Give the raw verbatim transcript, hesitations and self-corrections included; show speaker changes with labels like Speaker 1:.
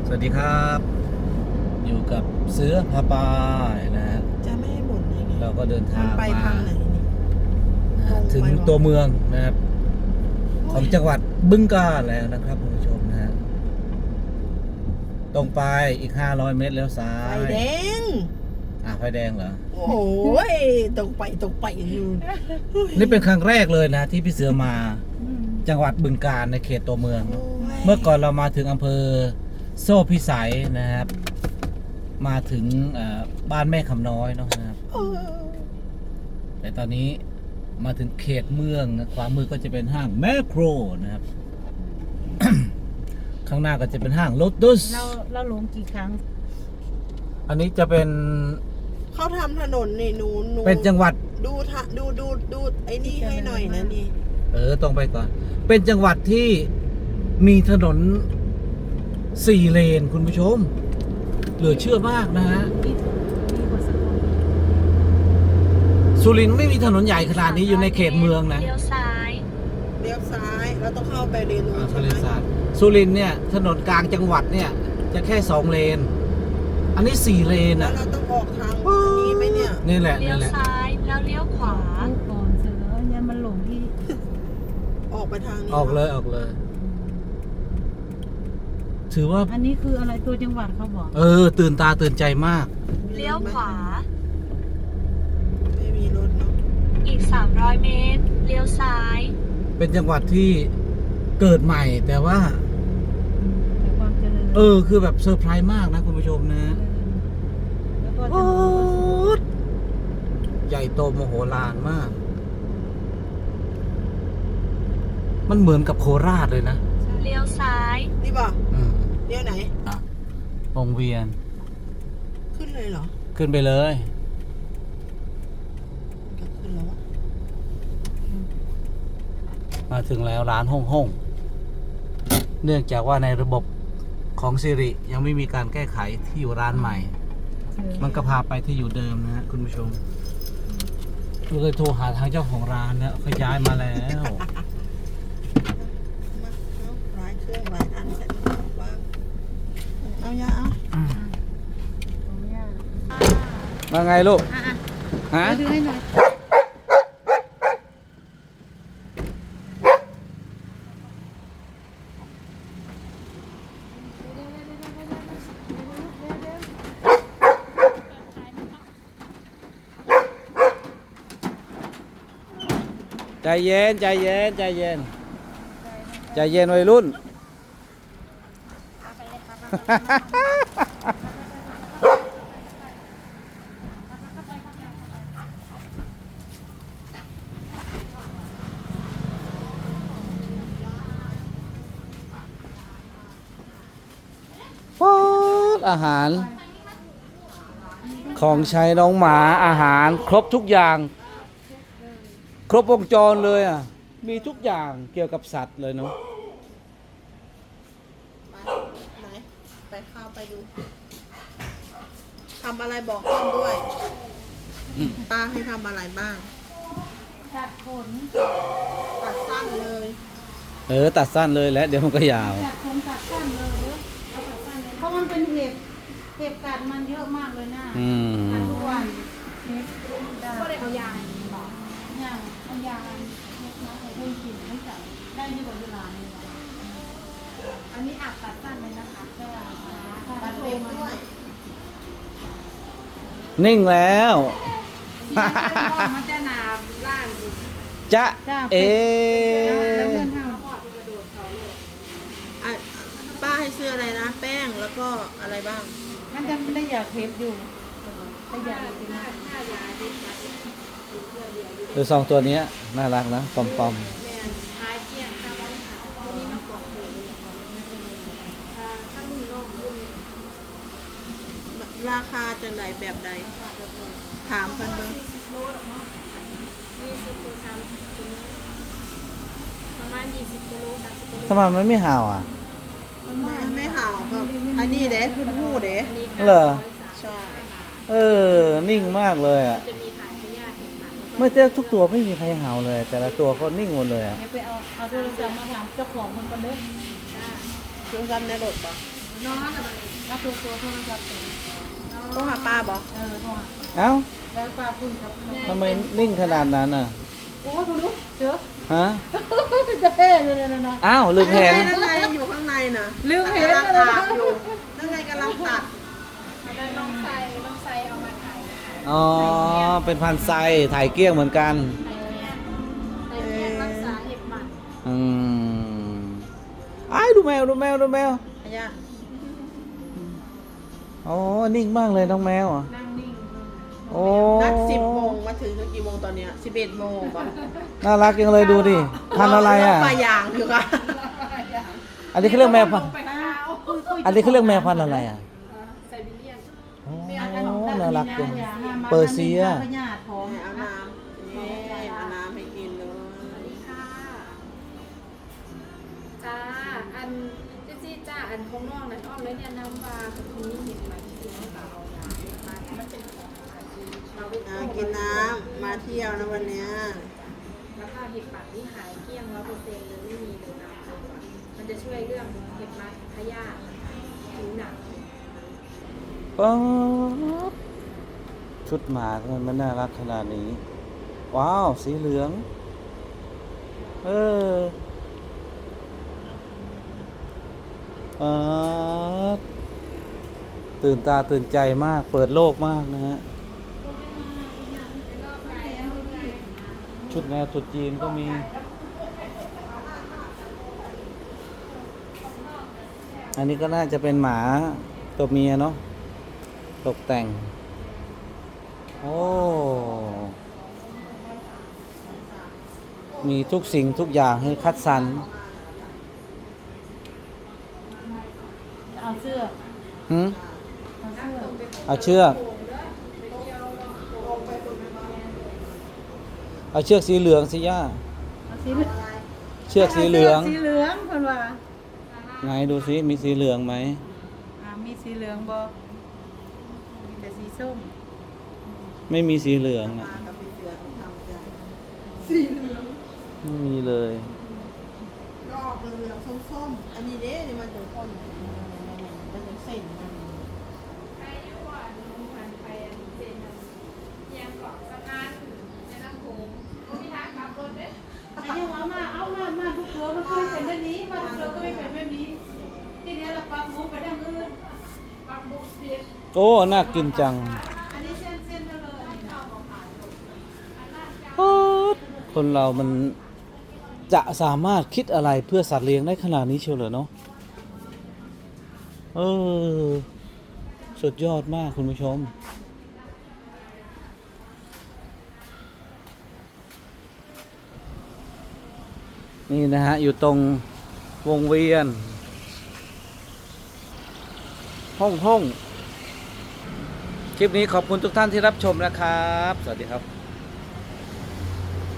Speaker 1: สวัสดีครับอยู่กับเสือพาปายนะฮะ
Speaker 2: จะไม่ให้บ่นยังไง
Speaker 1: เราก็เดินทาง
Speaker 2: ไป
Speaker 1: มา
Speaker 2: ทางไหนนี่
Speaker 1: ถึงตัวเมืองนะครับของจังหวัดบึงกาฬแล้วนะครับคุณผู้ชมนะฮะตรงไปอีกห้าร้อยเมตรแล้วซ้า
Speaker 2: ไฟ
Speaker 1: ย
Speaker 2: แดง
Speaker 1: อ่ะไฟแดงเหรอ
Speaker 2: โอ้โหตรงไปตรงไปอยู่
Speaker 1: นี่เป็นครั้งแรกเลยนะที่พี่เสือมาจังหวัดบึงกาฬในเขตตัวเมือง เมื่อก่อนเรามาถึงอำเภอโซ่พิสัยนะครับ มาถึงบ้านแม่คำน้อยเนาะนะครับแต่ตอนนี้มาถึงเขตเมืองนะขวามือก็จะเป็นห้างแมคโครนะครับ ข้างหน้าก็จะเป็นห้างโลตัส
Speaker 3: เราเราหลงกี่ครั้ง
Speaker 1: อันนี้จะเป็น
Speaker 2: เขาทำถนนนี่หนูหนู
Speaker 1: เป็นจังหวัด
Speaker 2: ดูทะดูดูดูไอ้นี่ให้หน่อยนะนี่
Speaker 1: เออตรงไปก่อน เป็นจังหวัดที่มีถนนสี่เลนคุณผู้ชม เหลือเชื่อมากนะฮะ
Speaker 3: ดีดีกว่าสกล
Speaker 1: สุรินทร์ไม่มีถนนใหญ่ขนาดนี้อยู่ในเขตเมืองนะ
Speaker 3: เลี้ยวซ้าย
Speaker 2: เลี้ยวซ้ายเราต้องเข้าไปเลนนู้
Speaker 1: อ่าน ทะ
Speaker 2: ใช่
Speaker 1: เล
Speaker 2: ไหม
Speaker 1: สาบสุรินทร์เนี่ยถนนกลางจังหวัดเนี่ยจะแค่สองเลน อันนี้สี่เลน
Speaker 2: แล้ว
Speaker 1: อ่ะ
Speaker 2: เราต้องออกทางนี้ไหมเนี่ย
Speaker 1: นี่แหละ
Speaker 3: เลี้ย
Speaker 1: นี่
Speaker 3: ว
Speaker 1: แหละ
Speaker 3: ซ้ายแล้วเลี้ยวขวาก่อนเสือเนี่ยมันหลงที่
Speaker 2: ออกไปทางนี้
Speaker 1: ออกเลยออกเลย ถือว่า
Speaker 3: อันนี้คืออะไรตัวจังหวัดเขาบอก
Speaker 1: เออ ตื่นตาตื่นใจมาก
Speaker 3: เลี้ยวขวา
Speaker 2: ไม่มีรถเนาะ
Speaker 3: อีกสามร้อยเมตรเลี้ยวซ้าย
Speaker 1: เป็นจังหวัดที่เกิดใหม่ แต่ว่า
Speaker 3: แต่ความเจริญ
Speaker 1: เออ คือแบบเซอร์ไพรส์มากนะคุณผู้ชมนะ
Speaker 3: แล้วก็ถ
Speaker 1: โอ้
Speaker 3: นน
Speaker 1: ใหญ่โตมโหฬารมาก มันเหมือนกับโคราชเลยนะ
Speaker 3: เลี้ยวซ้าย
Speaker 2: นี่ป่ะ
Speaker 1: อืม
Speaker 2: เลี้ยวไหน
Speaker 1: อ่ะวงเวียน
Speaker 2: ขึ้นเลยเหรอ
Speaker 1: ขึ้นไปเลย
Speaker 2: ก็ขึ้นแล้ววะ
Speaker 1: มาถึงแล้วร้านฮ่องฮ่องเนื่องจากว่าในระบบของสิริยังไม่มีการแก้ไขที่อยู่ร้านใหม่ มันก็พาไปที่อยู่เดิมนะฮะคุณผู้ชมก็เลยโทรหาทางเจ้าของร้านนะเขาย้ายมาแล้ว
Speaker 2: มาเอาหลายเครื่องหลายอันใส่มาบ้างเอายาเอา
Speaker 3: ตรงเนี้ย
Speaker 1: มาไงลูก
Speaker 3: อ่ะ
Speaker 1: ฮะ
Speaker 3: ๆดูให้หน่อย
Speaker 1: ใจเย็นใจเย็นใจเย็นใจเย็นวัยรุ่น ป๊อดอาหาร ของใช้น้องหมาอาหารครบทุกอย่าง ครบวงจรเลยอ่ะ มีทุกอย่างเกี่ยวกับสัตว์เลยเนาะ
Speaker 2: ไหนไปเข้าไปดูทำอะไรบอกต้นด้วยป้าให้ทำอะไรบ้าง
Speaker 3: ตัดขน
Speaker 2: ตัดสั้นเลย
Speaker 1: เออ ตัดสั้นเลยแล้วเดี๋ยวมันก็ยาว
Speaker 3: ตัดขนตัดสั้นเลยเด้อเอาตัดสั้นเลยเพราะมันเป็นเห็บเห็บกัดมันเยอะมากเลยนะ
Speaker 1: อืม
Speaker 3: กัดทุกวันเห็บได้เอายางหรอยางเอายางเล็กน้อยเอาเพิ่มกลิ่นไม่ใส่ได้ที่บนเวลาเลยนะอันนี้อาบตัดสั้นเลยนะคะใช่ไหม
Speaker 2: ตัดเล็บด้วย
Speaker 1: นิ่งแล้ว
Speaker 3: มันจะหนาล่าง
Speaker 1: จ๊ะเอ
Speaker 3: แล้วเพื่อนท
Speaker 2: อ่ะป้าให้ซื้ออะไรนะ แป้งแล้วก็อะไรบ้าง
Speaker 3: ำมันจะไม่ได้อยากเทปอยู่ถ้าอยากจริง
Speaker 1: คือสองตัวเนี้ยน่ารักนะ ปอมปอม
Speaker 2: ราคาจะไหนแบบใด ถามกันเบิ้ง
Speaker 1: ทำไมมันไม่ห่าวอ่ะ
Speaker 2: ไม่ไม่ห่าวครับอันนี้เด้พื้นหูเด้
Speaker 1: เหรอ
Speaker 2: ใช่
Speaker 1: เออ นิ่งมากเลยอ่ะ ไม่แต่ทุกตัวไม่มีใครเห่าเลย แต่ละตัวก็นิ่งหมดเลยอ่ะ
Speaker 3: ๆไปเอาเอาโทรศัพท์มาถามเจ้าของมันกันเด้อ
Speaker 2: เครื่องซ้ำในรถปะ
Speaker 3: เน้องกับมาตัวตัวโทรศัพท์
Speaker 2: ต้องหาป้าบอก
Speaker 3: เออโทร
Speaker 1: เอ้า
Speaker 3: แล้วป้าคุยกับ
Speaker 1: ทำไมนิ่งขนาดนั้นอ่ะ
Speaker 3: โอ้คุณลูกเจอ
Speaker 1: ฮะ
Speaker 3: จะเพ่เลยนะนะ
Speaker 1: อ้าวลืมเห็น
Speaker 2: นั่นไงอยู่ข้างในน่ะ
Speaker 3: ลืมเห็น
Speaker 2: กำลัง
Speaker 3: เลย
Speaker 2: อาบอยู่นั่นไงกำลังตัด
Speaker 3: น้องใส่น้องใส่เอามาถ่าย
Speaker 1: อ๋อ เป็นพันไซถ่ายเกลี้ยงเหมือนกัน
Speaker 3: ในเพียงรักษาเห็บหมัน
Speaker 1: อืมไอ้ายดูแมวดูแมวดูแมว
Speaker 2: อายะ
Speaker 1: อ๋อ นิ่งมากเลยน้องแมวอ่ะ
Speaker 3: นั่งนิ่ง
Speaker 1: โอ้
Speaker 2: นัดสิบโมงมาถึงกี่โมงตอนเนี้ยสิบเอ็ดโมงป่ะ
Speaker 1: น่ารักยังเลยดูดิ พันธุ์อะไรอ่ะ
Speaker 2: ปลาย่างอยู่ค่ะ
Speaker 1: อันนี้เขาเรียกแมวพันธุ์
Speaker 3: ไปข้าว
Speaker 1: อันนี้เขาเรียกแมวพันธุ์อะไรอ่ะ
Speaker 3: ไซบีเรียน
Speaker 1: โอ้น่ารักจังเปอร์เซีย
Speaker 3: พญาติของ
Speaker 2: เอาน้ำนี่เอาน้ำให้กินเลย
Speaker 3: ค่ะจ้าอันจซี่จ้าอันของน้องนั้นอ้อมแล้วเนี่ยน้ำปลาคือคุณนี่เห็นไหมที่น้องสาวเอายาเห็นมามันเป็นของอาชีพเราไป
Speaker 2: อ่ากินน้ำมาเที่ยวนะวันเนี้ย
Speaker 3: แล้วก็เห็บปัดที่หายเกลี้ยงร้อยเปอร์เซ็นต์เลยไม่มีเลยนะมันจะช่วยเรื่องเห็บมัดพยาธิผิวหนัง
Speaker 1: ป๊าบชุดหมาทำไมมันน่ารักขนาดนี้ ว้าว สีเหลือง เออป๊าบตื่นตาตื่นใจมาก เปิดโลกมากนะฮะ ชุดแนวตรุษจีนก็มี อันนี้ก็น่าจะเป็นหมาตัวเมียเนาะ ตกแต่ง โอ้ มีทุกสิ่งทุกอย่างให้คัดสรร
Speaker 3: เอาเสื้อ
Speaker 1: หืม
Speaker 3: เอาเสื้อ
Speaker 1: เอาเชือก เอาเชือกสีเหลืองสิย่า
Speaker 3: เอาสีเหลือง
Speaker 1: เชือกสีเหลือง
Speaker 3: สีเหลืองคนว่า
Speaker 1: ไงดูสิมีสีเหลืองไหม
Speaker 3: อ่ามีสีเหลืองบ่มีแต่สีส้ม
Speaker 1: ไม่มีสีเหลืองอะ
Speaker 2: มากับพี่เสือทำใจ
Speaker 1: ไม่มีเลย
Speaker 2: ก็ออกเหลืองๆส้มๆอันนี้เด้นี่มันถึงคนมันถึงเส้นมัน
Speaker 3: ไปอยู่ว่าลุงพันไปอันเจนอันเยียงเกาะสะพานในน้ำโขงก็มีทางขับรถเด้ไอ้ยังเอามาเอามามาทุกตัวมันเคยเป็นแบบนี้มาทุกตัวก็ไม่เป็นแบบนี้ทีนี้เราปรับมุกไปทางอื่นปรับมุกเสีย
Speaker 1: โอ้ น่ากินจัง
Speaker 3: อันนี้เส้นเส้นๆเลยอันนี้เอาของขาย
Speaker 1: คนเรามันจะสามารถคิดอะไรเพื่อสัตว์เลี้ยงได้ขนาดนี้เชียวเหรอเนาะ เออ สุดยอดมากคุณผู้ชม นี่นะฮะ อยู่ตรงวงเวียน ห้องห้องคลิปนี้ขอบคุณทุกท่านที่รับชมนะครับ สวัสดีครับ